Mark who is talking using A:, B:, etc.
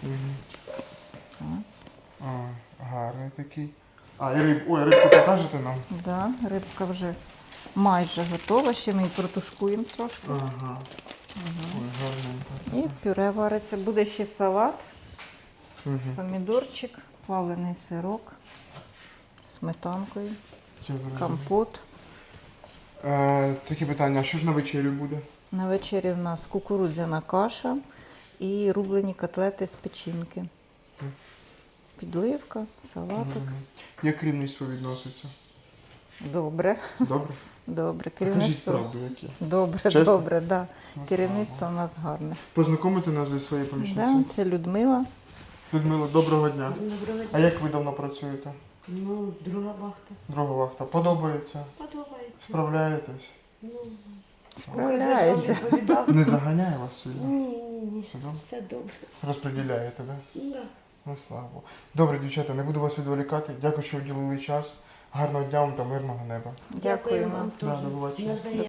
A: Ось.
B: Гарний такий. Ой, рибку покажете нам?
A: Да, рибка вже майже готова, ще ми її протушкуємо трошки.
B: Ага. Ой, гарненько.
A: І пюре вариться. Буде ще салат,
B: Угу.
A: помідорчик, плавлений сирок, сметанкою, компот.
B: Таке питання, а що ж на вечерю буде?
A: На вечері в нас кукурудзяна каша і рублені котлети з печінки. Підливка, салатик.
B: Як керівництво відноситься?
A: Добре.
B: Добре?
A: Добре.
B: Кажіть
A: Керівництво.
B: правду, які.
A: Добре,
B: Чесно?
A: добре, да.
B: Ну,
A: Керівництво у нас гарне.
B: Познайомити нас зі своєю помічницею?
A: Да, це Людмила.
B: Людмила, доброго дня.
C: Доброго
B: А
C: дня.
B: як ви давно працюєте?
C: Ну, друга вахта.
B: Друга вахта. Подобається?
C: Подобається.
B: Справляєтесь?
C: Ну,
A: Справляється.
C: відповідав.
B: Не заганяє вас сильно?
C: Ні.
B: Все добре?
C: Все добре.
B: Розподіляєте, так?
C: Ну, да.
B: Ну, слава Богу. Добре, дівчата, не буду вас відволікати. Дякую, що уділили час. Гарного дня вам та мирного неба.
A: Дякуємо.
C: вам
B: Да,
C: теж.
B: до побачення.
C: Навзаєм.